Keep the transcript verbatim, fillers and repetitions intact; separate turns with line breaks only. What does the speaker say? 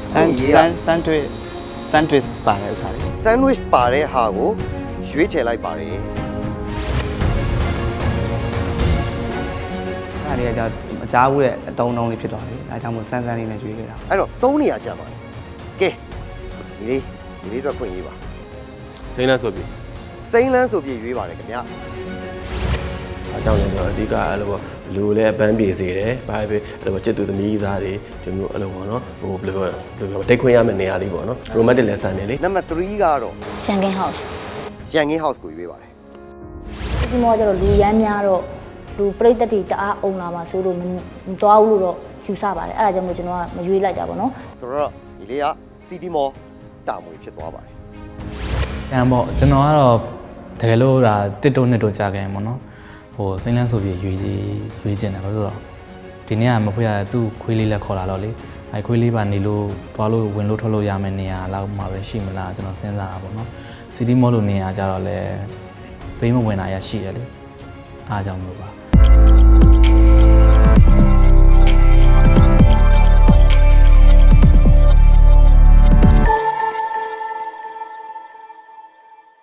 ဆန်ဆန်ဆန်တွေဆန်တွေပါတယ်ဥစားလေး
sandwich ပါတဲ့ဟာကိုရွေးချယ်လိုက်ပါတယ်
အဲ့ဒီကကြောင့်အကြားဘူးတဲ့အတုံးတုံးလေးဖြစ်သွားတယ်အဲဒါကြောင့်မို့ဆန်းဆန်းလေးနဲ့ရွေးခဲ့တာ
အဲ့တော့သုံးနေရာကြာပါတယ်ကဲဒီလေးဒီလေးတော့ခွင့်ရေးပါ
စိမ့်လန်းဆိုပြီ
စိမ့်လန်းဆိုပြည့်ရွေးပါတယ်ခင်ဗျ
အကြောင်းလည်းတော့အဓိကအဲ့လိုပေါ့လူလည်းအပန်းပြေစေတယ်ဘာပဲအဲ့လိုချစ်သူသမီးစားတွေဒီမျိုးအဲ့လိုပေါ့နော်ဟိုဘယ်လိုပြောဘယ်လိုပြောတိတ်ခွင့်ရမယ့်နေရာလေးပေါ့နော် romantic lesson တွေလေ
နံပါတ်3ကတော့
ရှန်ကင်းဟောက်စ်
ရန်ကင်း house ကိုရွေးပါတယ်
ဒီမောကျတော့လူရမ်းများတော့လူပြိတ္တတီတအားအုံလာမှာဆိုလို့မသွားဘူးလို့တော့ယူဆပါတယ်အဲ့ဒါကြောင့်မို့ကျွန်တော်ကမရွေးလိုက်ကြပါတော့
ဆိုတော့ဒီလေးက city mall တာမွေဖြစ်သွားပါတယ်
တန်ပေါ့ကျွန်တော်ကတော့တကယ်လို့ဒါတစ်တုံးနှစ်တုံးကြာခဲ့ရင်ပေါ့နော်ဟိုစိမ့်လန်းဆိုပြီးရွေးကြီးရွေးကျင်တယ်ဘာလို့လဲဆိုတော့ဒီနေ့ကမဖွေးရသူ့ခွေးလေးလက်ခေါ်လာတော့လေအဲခွေးလေးပါနေလို့သွားလို့ဝင်လို့ထွက်လို့ရမယ့်နေရာလောက်မှာပဲရှိမလားကျွန်တော်စဉ်းစားတာပေါ့နော်စီတီမောလို့နေရာကြတော့လေပေးမဝင်တာရရှိတယ်လေအားကြောင့်လို့ပါ